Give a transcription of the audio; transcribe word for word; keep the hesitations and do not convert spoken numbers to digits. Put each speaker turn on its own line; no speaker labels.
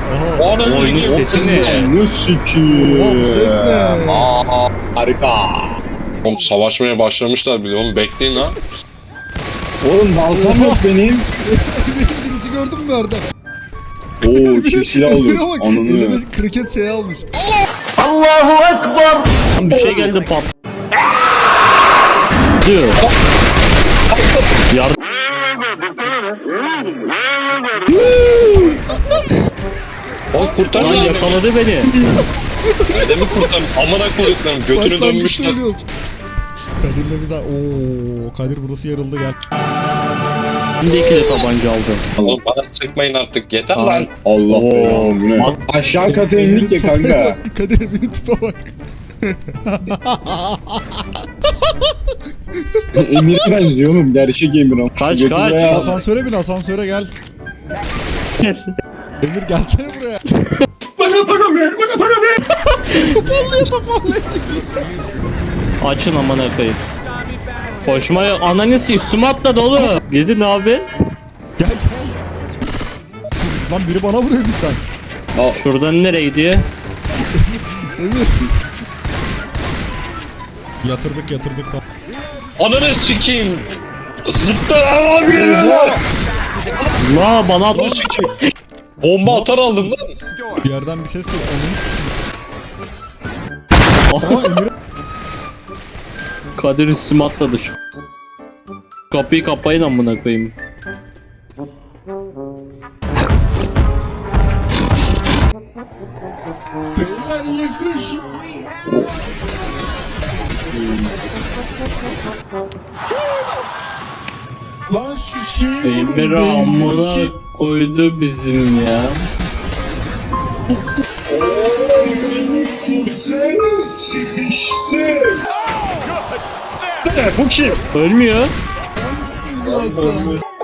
Aha.
Onun
Oyunun sesi ne?
Oha bu ses ne?
Aa, harika. Oğlum savaşmaya başlamışlar bile oğlum, bekleyin ha.
Oğlum baltam yok benim.
Benim girişi gördün mü Erdem?
Oo çift silah
Emir'e
aldım.
bak,
Ananı.
eline kriket şeyi almış.
Bir şey geldi pat. Diyor. Yardım.
Oğlum kurtar
Lan
lan.
yakaladı beni.
Adamı kurtar. Amına koyduklarım götünü
Başlangıçta
dönmüşler.
ölüyoruz. Kadir'le bize... Ooo Kadir burası yarıldı gel.
Şimdi iki de tabanca aldım.
Oğlum bana sıkmayın artık, yeter
Aa.
lan.
Allah
Oo.
be. Bu ne? Aşağı kata indik ya
sopaya
kanka.
bak, Kadir Emir'in tipe bak.
Emir'e benziyor oğlum. Gerçek Emir ama.
Kaç,
Götü
kaç.
buraya al.
Asansöre bin, asansöre gel. Emir gelsene buraya.
Bana para ver, bana para ver.
Toparlaya toparlaya çıkıyor.
Açın aman koyayım. Koşmaya ananesi üstüme atladı oğlum. Gidin abi.
Gel gel. Şu, lan biri bana vuruyor bizden.
Şuradan nereye gidiyor?
Emir. Yatırdık yatırdık.
Ananı sikeyim. Zıplar abi.
Oha!
La bana
Ananı sikeyim. Bomba atar aldım lan.
Bir yerden bir ses geliyor. Onun Aha Emir.
Kadir üstüme atladı şu. Kapıyı kapayın amına koyayım.
Beyler yakış. Lan şu şey
Emir amına koydu bizim ya.
Bu kim?
Ölmüyor.
zaten.